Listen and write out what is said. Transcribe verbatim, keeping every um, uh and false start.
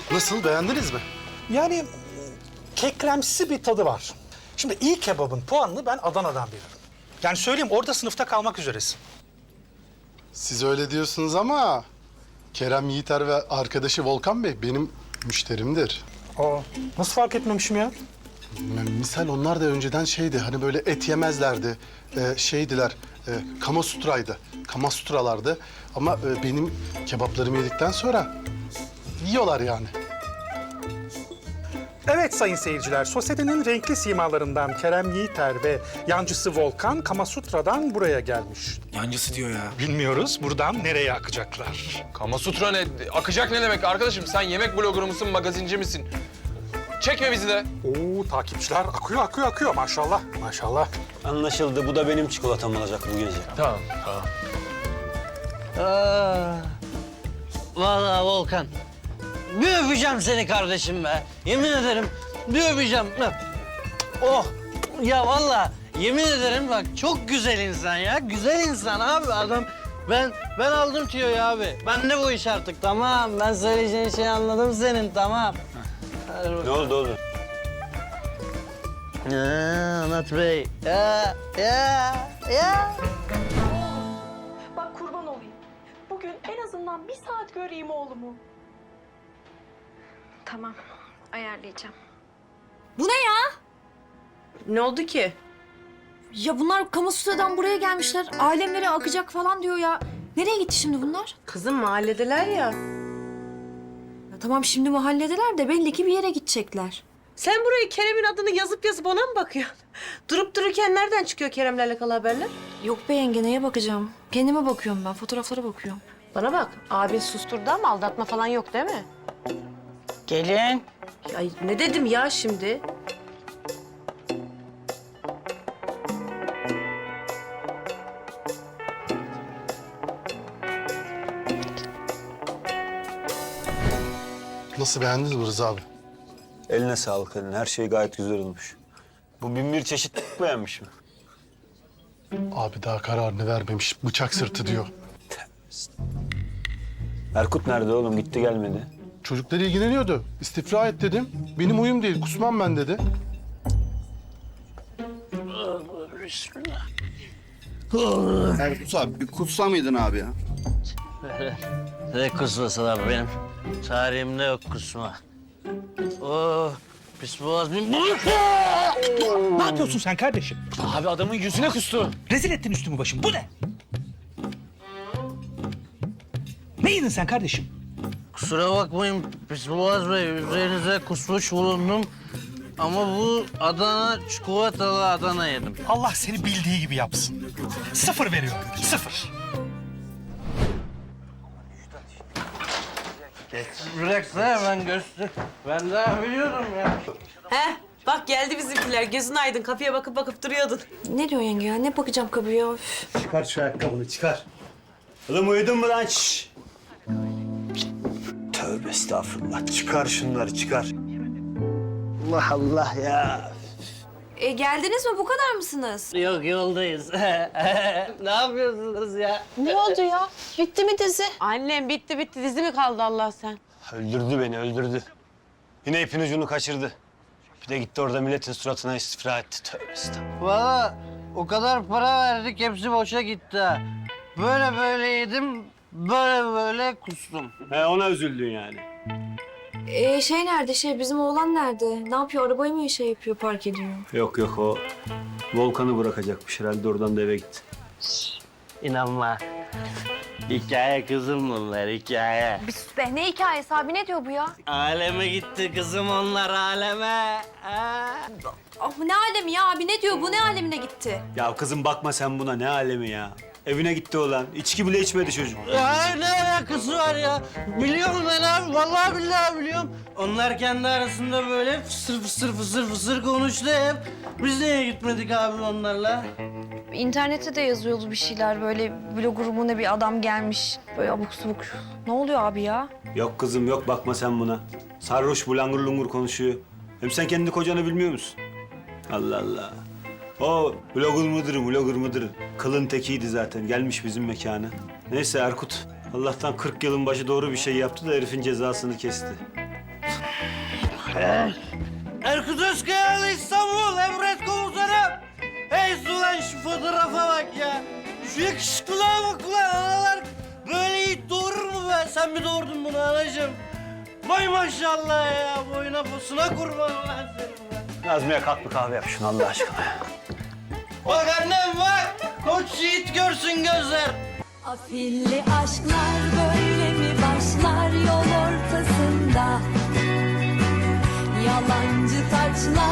Nasıl, beğendiniz mi? Yani kekremsi bir tadı var. Şimdi iyi kebabın puanını ben Adana'dan veririm. Yani söyleyeyim, orada sınıfta kalmak üzeresin. Siz öyle diyorsunuz ama Kerem Yiğiter ve arkadaşı Volkan Bey benim müşterimdir. Aa, nasıl fark etmemişim ya? M- Misal onlar da önceden şeydi, hani böyle et yemezlerdi. Ee, şeydiler, e, Kamasutra'ydı. Kamasutralardı. Ama e, benim kebaplarımı yedikten sonra yiyorlar yani. Evet sayın seyirciler, sosyetenin renkli simalarından Kerem Yiğiter ve yancısı Volkan Kamasutra'dan buraya gelmiş. Yancısı diyor ya. Bilmiyoruz buradan nereye akacaklar. Kamasutra ne? Akacak ne demek arkadaşım? Sen yemek blogger mısın, magazinci misin? Çekme bizi de. Oo, takipçiler akıyor akıyor akıyor maşallah maşallah. Anlaşıldı. Bu da benim çikolatam olacak bu gece. Tamam, tamam. Aa, vallahi Volkan, bir öpeceğim seni kardeşim be. Yemin ederim bir öpeceğim. Oh, ya vallahi yemin ederim bak çok güzel insan ya. Güzel insan abi adam. Ben ben aldım tüyoyu abi. Ben de bu iş artık tamam. Ben söyleyeceğin şeyi anladım senin tamam. Hadi bakalım. Ne oldu oğlum? Ya, Anlat Bey. Ya, ya, ya. Bak kurban olayım. Bugün en azından bir saat göreyim oğlumu. Tamam, ayarlayacağım. Bu ne ya? Ne oldu ki? Ya bunlar Kamasutra'dan buraya gelmişler. Alemlere akacak falan diyor ya. Nereye gitti şimdi bunlar? Kızım mahalledeler ya. Ya tamam şimdi mahalledeler de belli ki bir yere gidecekler. Sen burayı Kerem'in adını yazıp yazıp ona mı bakıyorsun? Durup dururken nereden çıkıyor Kerem'le alakalı haberler? Yok be yenge neye bakacağım? Kendime bakıyorum ben, fotoğraflara bakıyorum. Bana bak, abin susturdu ama aldatma falan yok değil mi? Gelin. Ay ne dedim ya şimdi? Nasıl, beğendiniz mi Rıza abi? Eline sağlık eline. Her şey gayet güzel olmuş. Bu bin bir çeşit beğenmiş mi? Abi daha kararını vermemiş, bıçak sırtı diyor. Erkut nerede oğlum? Gitti gelmedi. Çocuklar ilgileniyordu. İstifra et dedim. Benim huyum değil, kusmam ben dedi. Erkus abi bir kutsa mıydın abi ya? Ne kusması abi benim? Tarihimde yok kusma. Oh, pis boğaz bir... Ne yapıyorsun sen kardeşim? Abi adamın yüzüne kustu. Rezil ettin üstümü başımı. Bu ne? Ne yedin sen kardeşim? Kusura bakmayın pis boğaz bey, üzerinize kusmuş bulundum. Ama bu Adana, çikolatalı Adana yedim. Allah seni bildiği gibi yapsın. Sıfır veriyorum. Sıfır. Bıraksana ben göster. Ben daha biliyorum ya. He, bak geldi bizimkiler. Gözün aydın. Kapıya bakıp bakıp duruyordun. Ne diyor yenge ya? Ne bakacağım kapıya? Üf. Çıkar şu ayakkabını çıkar. Oğlum uyudun mu lan? Şşş! Tövbe estağfurullah. Çıkar şunları çıkar. Allah Allah ya. E, geldiniz mi? Bu kadar mısınız? Yok yoldayız. Ne yapıyorsunuz ya? Ne oldu ya? Bitti mi dizi? Annem bitti bitti. Dizi mi kaldı Allah sen? Öldürdü beni öldürdü. Yine ipin ucunu kaçırdı. Bir de gitti orada milletin suratına istifra etti. Tövbe estağfurullah. Valla o kadar para verdik hepsi boşa gitti ha. Böyle böyle yedim, böyle böyle kustum. He ona üzüldün yani. E, şey nerede? Şey bizim oğlan nerede? Ne yapıyor? Arabayı mı şey yapıyor, park ediyor? Yok yok o Volkan'ı bırakacakmış herhalde oradan da eve gitti. İnanma. Hikaye kızım bunlar, hikaye. Bir sus be, ne hikayesi abi, ne diyor bu ya? Aleme gitti kızım onlar, aleme. Ha. Ah, ne alemi ya abi? Ne diyor? Bu ne alemine gitti? Ya kızım bakma sen buna ne alemi ya. Evine gitti olan. İçki bile içmedi çocuk. Ya ne alakası var ya? Biliyorum ben abi, vallahi billahi biliyorum. Onlar kendi arasında böyle fısır fısır fısır fısır konuştu hep. Biz niye gitmedik abi onlarla? İnternette de yazıyordu bir şeyler, böyle blogger mu ne bir adam gelmiş. Böyle abuk subuk. Ne oluyor abi ya? Yok kızım yok bakma sen buna. Sarhoş bu langur lungur konuşuyor. Hem sen kendi kocanı bilmiyor musun? Allah Allah. O blogger mıdır, blogger mıdır? Kılın tekiydi zaten. Gelmiş bizim mekana. Neyse Erkut. Allah'tan kırk yılın başı doğru bir şey yaptı da herifin cezasını kesti. Erkut Özkayalı İstanbul, emret komutanım. Hey ulan şu fotoğrafa bak ya. Şu yakışıklılığa bak ulan, analar böyle yiğit doğurur mu be? Sen mi doğurdun bunu anacığım? Vay maşallah ya, boyuna posuna kurban ulan senin be. Nazmiye kalk bir kahve yap şunu Allah aşkına. Bak annem bak, koç yiğit görsün gözler. Afilli aşklar böyle mi başlar yol ortasında? Yalancı taçlar